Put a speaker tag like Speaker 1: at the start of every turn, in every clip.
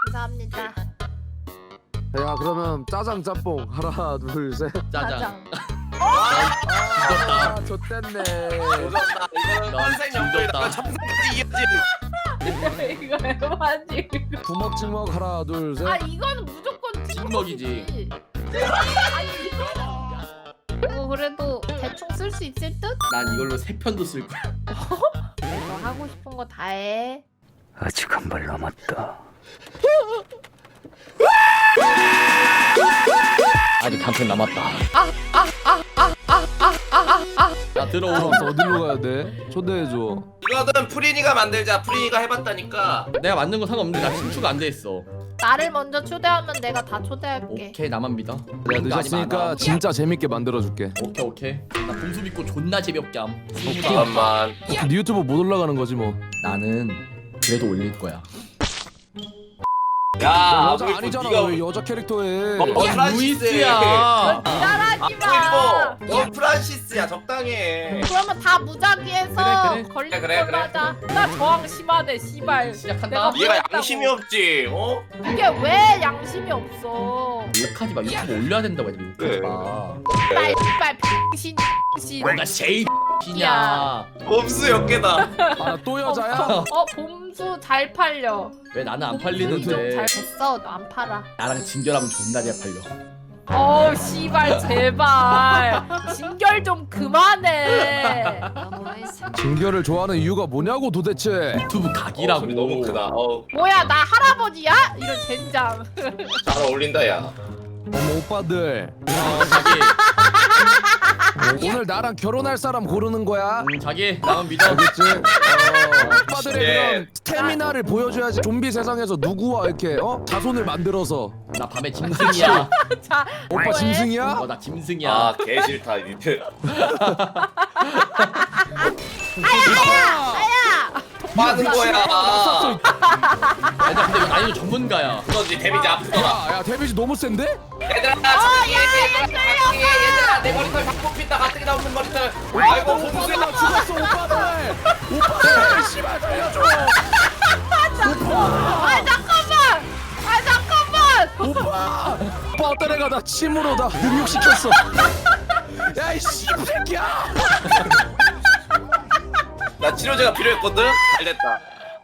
Speaker 1: 감사합니다.
Speaker 2: 야 그러면 짜장 짬뽕 하나 둘 셋.
Speaker 3: 짜장.
Speaker 2: 아 좆됐네.
Speaker 4: 조졌다. 이거는
Speaker 3: 넌
Speaker 4: 선생 연구이다.
Speaker 3: 조졌다.
Speaker 4: 참새끼 이해지.
Speaker 1: 이거 에바지.
Speaker 2: 부먹 찍먹 하나 둘 셋.
Speaker 1: 아 이거는 무조건
Speaker 3: 찍먹이지.
Speaker 1: 이거 그래도 대충 쓸 수 있을 듯?
Speaker 3: 난 이걸로 3편도 쓸 거야.
Speaker 1: 너 하고 싶은 거 다 해.
Speaker 5: 아직 한 발 남았다.
Speaker 3: 아직 한 편 남았다. 나 들어오.
Speaker 2: 어디로 가야 돼? 초대해줘.
Speaker 4: 이거는 프린이가 만들자. 프린이가 해봤다니까.
Speaker 3: 내가 만든 건 상관없는데 나 친추가 안 돼 있어.
Speaker 1: 나를 먼저 초대하면 내가 다 초대할게.
Speaker 3: 오케이 나만 믿어.
Speaker 2: 내가 늦었으니까 진짜 재밌게 만들어줄게.
Speaker 3: 오케이. 나 봄수 믿고 존나 재미없게 함.
Speaker 4: 잠깐만.
Speaker 2: 네 유튜브 못 올라가는 거지 뭐.
Speaker 3: 나는 그래도 올릴 거야.
Speaker 4: 야,
Speaker 2: 여자 아니잖아. 왜 여자 캐릭터 해?
Speaker 3: 루이스야.
Speaker 1: 따라하지 마.
Speaker 4: 너 프란시스야. 적당해.
Speaker 1: 그러면 다 무작위해서
Speaker 3: 그래.
Speaker 1: 걸리는
Speaker 4: 그래.
Speaker 1: 걸로 하자. 나 저항 심하네 씨발.
Speaker 3: 시작한다.
Speaker 1: 내가 뭐
Speaker 4: 얘가
Speaker 1: 했다고.
Speaker 4: 양심이 없지. 어?
Speaker 1: 이게 왜 양심이 없어?
Speaker 3: 욕하지 마. 유튜브 올려야 된다고 해야
Speaker 4: 그래.
Speaker 3: 욕하지 마.
Speaker 1: 빨빨 신.
Speaker 3: 너가 제일 X냐.
Speaker 4: 봄수 역계다.
Speaker 2: 아또 여자야?
Speaker 1: 봄수 잘 팔려.
Speaker 3: 왜 나는 안
Speaker 1: 잘
Speaker 3: 팔리는데.
Speaker 1: 됐어. 너 안 팔아.
Speaker 3: 나랑 진결하면 존나 잘 팔려.
Speaker 1: 씨발 제발. 진결 좀 그만해.
Speaker 2: 진결을 좋아하는 이유가 뭐냐고 도대체.
Speaker 3: 유튜브 각이라고.
Speaker 4: 소리 너무 크다.
Speaker 1: 뭐야 나 할아버지야? 이런 젠장.
Speaker 4: 잘 어울린다 야.
Speaker 2: 어머 오빠들
Speaker 3: 자기.
Speaker 2: 오늘 나랑 결혼할 사람 고르는 거야?
Speaker 3: 자기 나만 믿어.
Speaker 2: 알겠지? 오빠들의
Speaker 4: 네.
Speaker 2: 그런 스태미나를 보여줘야지. 좀비 세상에서 누구와 이렇게 자손을 만들어서.
Speaker 3: 나 밤에 짐승이야.
Speaker 1: 자
Speaker 2: 오빠
Speaker 1: 뭐해?
Speaker 2: 짐승이야?
Speaker 3: 나 짐승이야.
Speaker 4: 아, 개 싫다 니들.
Speaker 1: 아야.
Speaker 4: 빠는 거야.
Speaker 3: 아니 근데 나 이거 전문가야.
Speaker 4: 너지 데미지 아프더라.
Speaker 2: 야 데미지 너무 센데?
Speaker 4: 얘들아, 얘들아, 내 머리털 다 뽑힌다. 가뜩이나 없는 머리털. 아이고, 봄수야.
Speaker 2: 나 죽었어 오빠들 씨발 살려줘.
Speaker 1: 잠깐만.
Speaker 2: 오빠 어떤 애가 나 침으로 나 능욕시켰어. 야이 씨새끼야.
Speaker 4: 나 치료제가 필요했거든. 잘 됐다.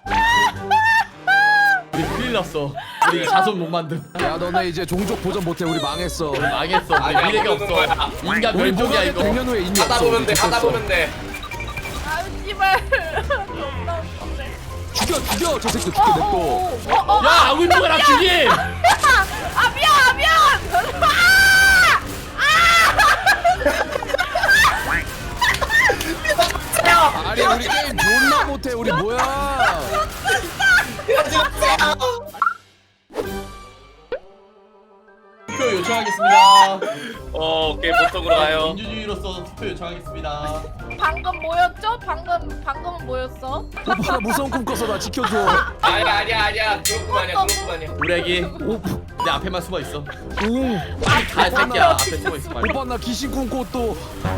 Speaker 3: 우리 큰일 났어. 우리 자손 못 만듦.
Speaker 2: 야 너네 이제 종족 보전 못해. 우리 망했어.
Speaker 3: 망했어. 우리
Speaker 4: 아니야,
Speaker 3: 미래가
Speaker 4: 모르는
Speaker 3: 없어.
Speaker 4: 거야.
Speaker 3: 인간
Speaker 2: 우리
Speaker 3: 멸종이야 이거.
Speaker 2: 100년 후에 인류
Speaker 4: 하다
Speaker 2: 없어.
Speaker 4: 보면 돼. 하다
Speaker 2: 죽었어.
Speaker 4: 보면 돼.
Speaker 1: 씨발.
Speaker 2: 죽여 저 새끼 죽게 냅둬.
Speaker 3: 야 아울보가 나 죽임.
Speaker 1: 미안.
Speaker 2: 아니 우리 게임 존나 못해. 우리 뭐야?
Speaker 3: 투표 요청하겠습니다.
Speaker 4: 오케이, 보통으로 가요.
Speaker 3: 민주주의로서 투표 요청하겠습니다.
Speaker 1: 방금 뭐였죠? 방금은 뭐였어?
Speaker 2: 오빠 나 무서운 꿈 꿔서 나 지켜줘.
Speaker 4: 아니야. 그런 거 아니야.
Speaker 3: 우레기 내 앞에만 숨어 있어. 빨리 가 새끼야. 앞에 숨어 있어 빨리.
Speaker 2: 오빠 나 귀신 꿈꿔 또.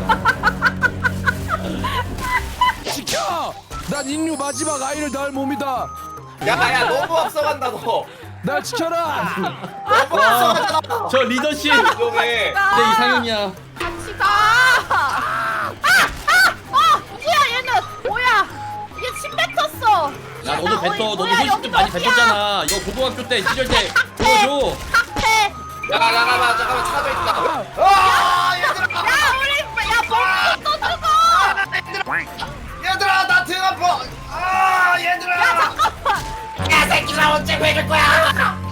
Speaker 2: 지켜! 난 인류 마지막 아이를 낳을 몸이다.
Speaker 4: 야, 너무 앞서간다 너.
Speaker 2: 날 지켜라.
Speaker 4: 너무 앞서간다.
Speaker 3: 저 리더십
Speaker 4: 위험해.
Speaker 3: 내 이상형이야.
Speaker 1: 같이 가. 뭐야 얘는 뭐야? 얘 침 뱉었어.
Speaker 3: 야 너도 뱉어. 너도
Speaker 1: 뭐야,
Speaker 3: 소식
Speaker 1: 여기
Speaker 3: 좀 많이
Speaker 1: 어디야?
Speaker 3: 뱉었잖아. 이거 고등학교 때 시절 때 보여줘.
Speaker 1: 칵테.
Speaker 4: 잠깐만 차도 있다.
Speaker 1: 야 우리 봄수 또 죽어.
Speaker 4: 얘들아, 나 등 아파. 얘들아. 야, 새끼들아, 언제 구해줄 거야?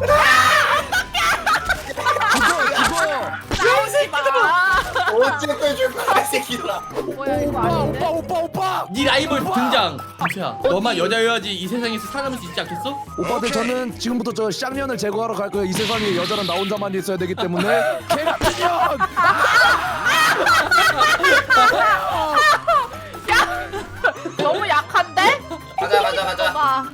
Speaker 2: 죽어.
Speaker 1: 나오지 마.
Speaker 4: 언제 구해줄 거야, 새끼들아?
Speaker 1: 뭐야 이거 아닌데?
Speaker 2: 오빠.
Speaker 3: 네 라이벌 등장. 김수야 너만 여자여야지 이 세상에서 살아남을 수 있지 않겠어?
Speaker 2: 오빠들 저는 지금부터 저 쌍년을 제거하러 갈 거예요. 이 세상에 여자는 나 혼자만 있어야 되기 때문에. 개같은년.
Speaker 1: 너무 약한데?
Speaker 4: 가자.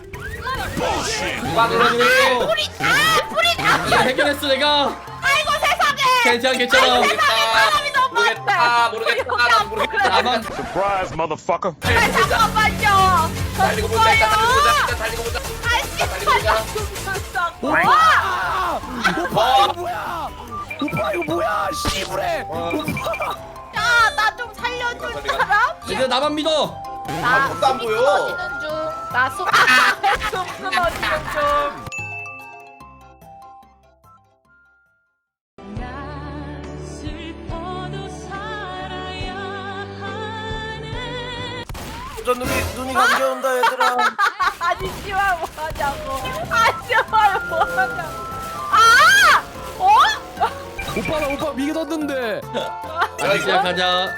Speaker 4: 누가 그러니?
Speaker 1: 뿌리다.
Speaker 3: 이거 해결했어 내가.
Speaker 1: 아이고 세상에.
Speaker 3: 괜찮아.
Speaker 1: 사람이 너무 많다.
Speaker 4: 모르겠다.
Speaker 3: 나만
Speaker 5: Surprise, motherfucker.
Speaker 1: 잠깐만요. 저
Speaker 4: 달리고 보자.
Speaker 1: 죽어요.
Speaker 4: 달리고 보자.
Speaker 1: 아씨.
Speaker 4: 달리자.
Speaker 2: 오빠 이거 뭐야? 오빠 이거 뭐야? 씨부래.
Speaker 1: 야나 좀 살려줄 사람?
Speaker 3: 얘들아 나만 믿어.
Speaker 1: 나
Speaker 4: 아무것도 안
Speaker 1: 숨이
Speaker 4: 보여.
Speaker 1: 끊어지는 중. 나 숨 끊어지는 중.
Speaker 4: 저 눈이 감겨온다 얘들아.
Speaker 1: 아니 씨발 뭐하냐고. 아 씨발 뭐하냐고. 아! 어?
Speaker 2: 오빠 오빠 믿었는데.
Speaker 3: 다시 시작하자.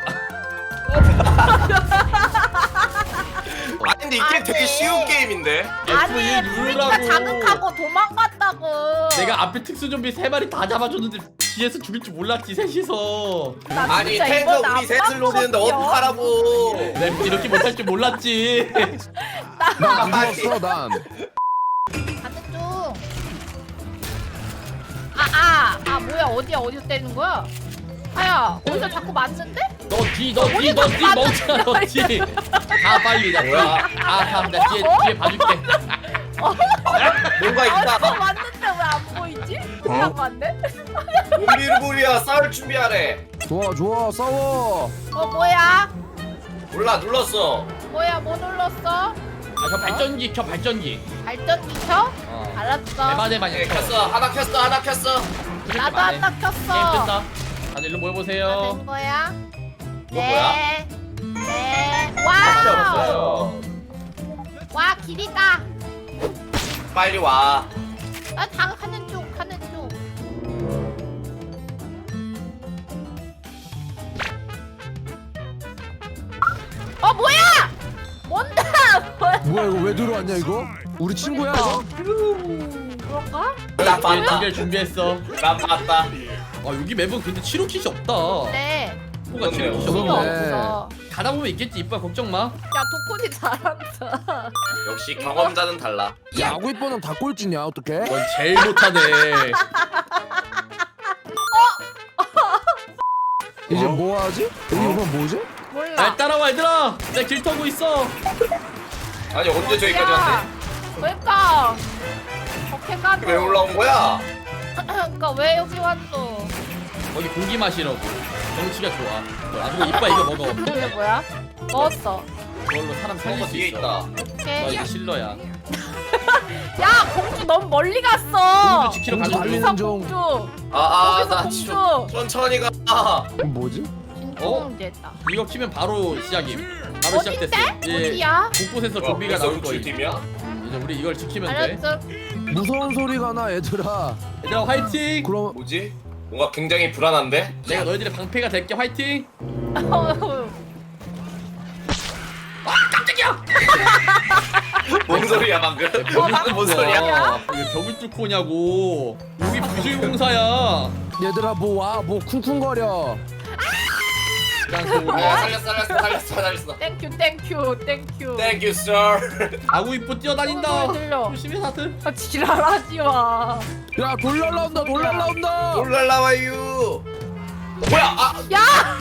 Speaker 4: 아니 근데 이게 되게 쉬운 게임인데.
Speaker 1: 아니
Speaker 3: F1
Speaker 1: 프리가
Speaker 3: 누르라고.
Speaker 1: 자극하고 도망갔다고.
Speaker 3: 내가 앞에 특수 좀비 3마리 다 잡아줬는데 뒤에서 죽일 줄 몰랐지 셋이서.
Speaker 1: 나
Speaker 4: 아니
Speaker 1: 진짜
Speaker 4: 탱커
Speaker 1: 이번
Speaker 4: 우리 셋을
Speaker 1: 안
Speaker 4: 노리는데
Speaker 1: 바꿨거든요.
Speaker 4: 어떡하라고.
Speaker 3: 내가 이렇게 못할 줄 몰랐지.
Speaker 2: 난 믿었어 난.
Speaker 1: 가는 중. 뭐야 어디서 때리는 거야? 아야 어디서 자꾸 맞는데?
Speaker 3: 너 뒤 멍청아 너 뒤. 가 빨리 나 뒤.
Speaker 4: 뭐야?
Speaker 3: 나 뒤에 봐줄게.
Speaker 4: 뭔가
Speaker 1: 어디서
Speaker 4: 있다.
Speaker 1: 맞는데 왜 안 보이지? 그냥 맞네?
Speaker 4: 우리야 싸울 준비하래.
Speaker 2: 좋아 싸워.
Speaker 1: 뭐야?
Speaker 4: 몰라 눌렀어.
Speaker 1: 뭐야 뭐 눌렀어?
Speaker 3: 저 발전기 켜 발전기.
Speaker 1: 발전기 켜?
Speaker 3: 어.
Speaker 1: 알았어.
Speaker 3: 대만에만
Speaker 4: 네, 켰어. 하나 켰어.
Speaker 1: 나도 하나
Speaker 3: 게임
Speaker 1: 켰어.
Speaker 3: 끝나. 다들 일로 모여보세요.
Speaker 1: 된 거야?
Speaker 4: 이거 뭐야?
Speaker 1: 네.
Speaker 4: 밖에
Speaker 1: 와우.
Speaker 4: 없어요.
Speaker 1: 와 길이다.
Speaker 4: 빨리 와.
Speaker 1: 나 가는 중. 뭐야? 뭔데? 뭐야?
Speaker 2: 뭐야 이거 왜 들어왔냐 이거? 우리 친구야 이거?
Speaker 1: 그런가?
Speaker 4: 나
Speaker 3: 얘
Speaker 4: 봤다.
Speaker 3: 두개 준비했어.
Speaker 4: 나 봤다.
Speaker 3: 아 여기 맵은 근데 치료킷이 없다.
Speaker 1: 네.
Speaker 3: 뭐가 치료킷이
Speaker 1: 필요
Speaker 2: 그러네.
Speaker 3: 없어.
Speaker 1: 없어.
Speaker 3: 가다 보면 있겠지 이뻐 걱정 마.
Speaker 1: 야 도코지 잘한다.
Speaker 4: 역시 경험자는 달라.
Speaker 2: 야구 이뻐는 다 꼴찌냐 어떡해?
Speaker 3: 넌 제일 못하네.
Speaker 2: 이제 뭐 하지? 이건 뭐지?
Speaker 1: 몰라.
Speaker 3: 날 따라와 얘들아. 내가 길 터고 있어.
Speaker 4: 아니 언제 저기까지 왔대?
Speaker 1: 그러니까. 어떻게 가노?
Speaker 4: 왜 올라온 거야?
Speaker 1: 그러니까 왜 여기 왔어?
Speaker 3: 거기 고기 마시라고. 경치가 좋아. 아주 이뻐 이거 먹어.
Speaker 1: 이게 뭐야? 먹었어.
Speaker 3: 그걸로 사람 살릴
Speaker 4: 저거
Speaker 3: 수
Speaker 4: 뒤에
Speaker 3: 있어.
Speaker 4: 있다.
Speaker 3: 너
Speaker 1: 오케이.
Speaker 3: 이제 실러야.
Speaker 1: 야 공주 너무 멀리 갔어.
Speaker 3: 공주 지키러
Speaker 2: 공주
Speaker 3: 가는
Speaker 2: 달리는
Speaker 3: 중.
Speaker 2: 중.
Speaker 1: 공주.
Speaker 4: 나
Speaker 1: 공주.
Speaker 4: 천천히 가.
Speaker 2: 이건 뭐지?
Speaker 1: 공주했다.
Speaker 3: 이거 키면 바로 시작임. 바로
Speaker 1: 어딘데?
Speaker 3: 시작됐어.
Speaker 1: 어디야?
Speaker 3: 곳곳에서 좀비가 나올 거야.
Speaker 4: 팀이야?
Speaker 3: 이제 우리 이걸 지키면 돼.
Speaker 1: 알았어.
Speaker 2: 무서운 소리가 나 얘들아.
Speaker 3: 얘들아 화이팅.
Speaker 2: 그럼
Speaker 4: 뭐지? 뭔가 굉장히 불안한데?
Speaker 3: 내가 너희들의 방패가 될게 화이팅. 깜짝이야.
Speaker 4: 뭔 소리야 방금? 뭔 소리야?
Speaker 3: 왜 벽을 뚫고 오냐고. 여기 부실공사야.
Speaker 2: 얘들아 뭐 와 뭐 쿵쿵거려.
Speaker 4: 살렸어.
Speaker 1: 땡큐.
Speaker 4: Thank you, sir.
Speaker 3: 아구 이뻐 뛰어다닌다.
Speaker 1: 어, 들려.
Speaker 3: 조심해 다들.
Speaker 1: 지랄하지 마.
Speaker 2: 야 돌 날라온다 돌 날라온다.
Speaker 4: 올라와요. 뭐야?
Speaker 1: 야!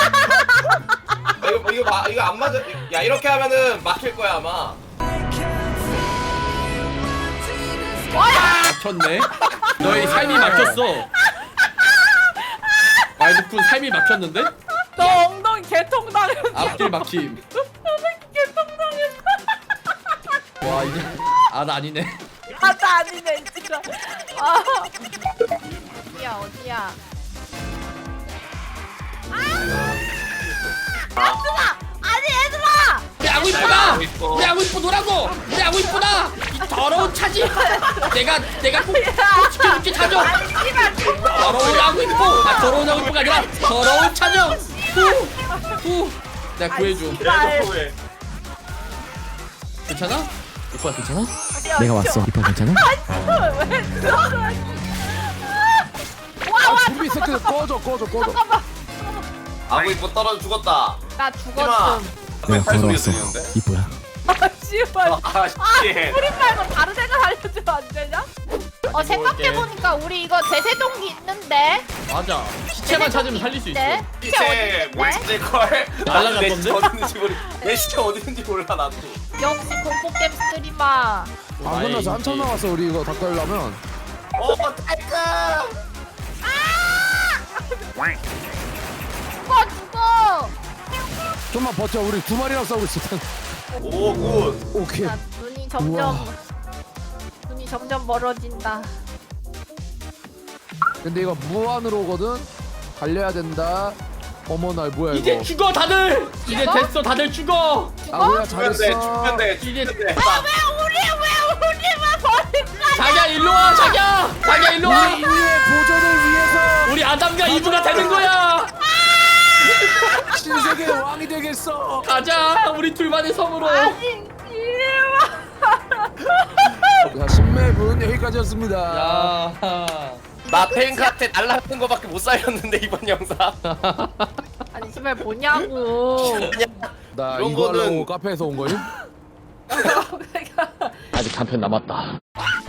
Speaker 4: 이거 안 맞아. 야 이렇게 하면은 막힐 거야 아마.
Speaker 3: 막혔네. 너희 삶이 막혔어. 말도쿤 삶이 막혔는데?
Speaker 1: 너 엉덩이 개통당했어.
Speaker 3: 앞길 막힘.
Speaker 1: 개통당했어.
Speaker 3: 와 이제 나 아니네.
Speaker 1: 나 아니네 진짜. 어디야? 얘들아! 아니 얘들아!
Speaker 3: 우리 아구 이쁘다. 우리 아구 이쁘 노라고. 우리 아구 이쁘다. 이 더러운 차지. 내가 꼭 지켜줄게 차죠.
Speaker 1: 아니 씨발
Speaker 3: 더러운 아구 이뻐. 더러운 아구 이뻐가 아니라 더러운 차죠. 후. 내가 구해줘.
Speaker 1: 씨발.
Speaker 3: 괜찮아? 이뻐야 괜찮아?
Speaker 5: 내가 왔어. 이뻐 괜찮아?
Speaker 1: 왜 들어가? 와
Speaker 2: 좀비 새끼들 꺼져.
Speaker 1: 잠깐만.
Speaker 4: 아구 이뻐 떨어져 죽었다.
Speaker 1: 나 죽었음.
Speaker 5: 내가
Speaker 4: 팔 소리
Speaker 5: 걸어왔어.
Speaker 4: 들리는데?
Speaker 5: 이뻐야.
Speaker 1: 씨발.
Speaker 4: 씨.
Speaker 1: 프린 말고 다른 애가 알려주면 안 되냐? 생각해보니까 우리 이거 대세동기 있는데?
Speaker 3: 맞아. 시체만 찾으면 살릴 수 있어.
Speaker 4: 시체 뭘 찾을 걸?
Speaker 3: 날라갔던데?
Speaker 4: 내 시체 어디 있는지 몰라 나도.
Speaker 1: 역시 공포게임 스트리머.
Speaker 2: 안 끝나서 한참 남았어 우리 이거 다 깔려면.
Speaker 4: 탱크.
Speaker 1: 죽어.
Speaker 2: 좀만 버텨 우리 두 마리랑 싸우고 있을 텐데.
Speaker 4: 오 굿.
Speaker 2: 오케이.
Speaker 1: 나 눈이 점점
Speaker 2: 우와.
Speaker 1: 눈이 점점 멀어진다.
Speaker 2: 근데 이거 무한으로 오거든. 달려야 된다. 어머 날 뭐야
Speaker 3: 이제
Speaker 2: 이거.
Speaker 3: 죽어 다들. 이제 됐어 다들 죽어.
Speaker 2: 아 뭐야
Speaker 4: 죽면 돼.
Speaker 2: 잘했어.
Speaker 4: 죽면 돼.
Speaker 3: 이제
Speaker 4: 죽면 돼.
Speaker 1: 왜 우리만 버릴까?
Speaker 3: 자기야 일로 와 자기야. 자기야 일로 와.
Speaker 2: 우리 인류의 보존을 위해서
Speaker 3: 우리 아담과 이브가 되는 거야.
Speaker 2: 신세계의 왕이 되겠어.
Speaker 3: 가자 우리 둘만의 섬으로.
Speaker 1: 아니 이리와.
Speaker 2: 자 신맵은 여기까지였습니다.
Speaker 3: 야.
Speaker 4: 나 탱크한테 날라가는 거밖에 못 살렸는데 이번 영상.
Speaker 1: 아니 정말 뭐냐고.
Speaker 2: 나
Speaker 4: 이런
Speaker 2: 이거 하려고
Speaker 4: 거는-
Speaker 2: 카페에서 온 거임?
Speaker 5: 아직 한편 남았다.